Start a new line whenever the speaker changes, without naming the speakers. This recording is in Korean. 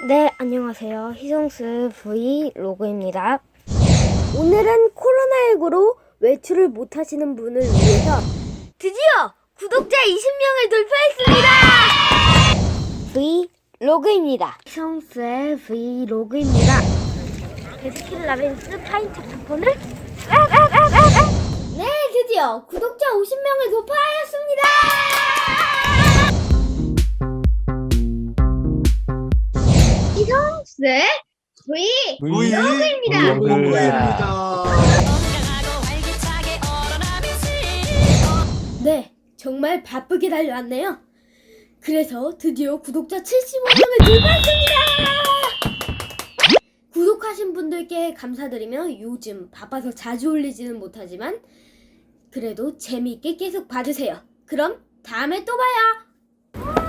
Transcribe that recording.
네, 안녕하세요. 희성스 브이로그입니다. 오늘은 코로나19로 외출을 못하시는 분을 위해서 드디어 구독자 20명을 돌파했습니다! 브이로그입니다. 희성스의 브이로그입니다. 베스킨 라빈스 파인트 쿠폰을 네, 드디어 구독자 50명을 돌파하였습니다! 희성스의 브이로그입니다. 네, 정말 바쁘게 달려왔네요. 그래서 드디어 구독자 75명을 돌파했습니다. 구독하신 분들께 감사드리며 요즘 바빠서 자주 올리지는 못하지만 그래도 재미있게 계속 봐주세요. 그럼 다음에 또 봐요.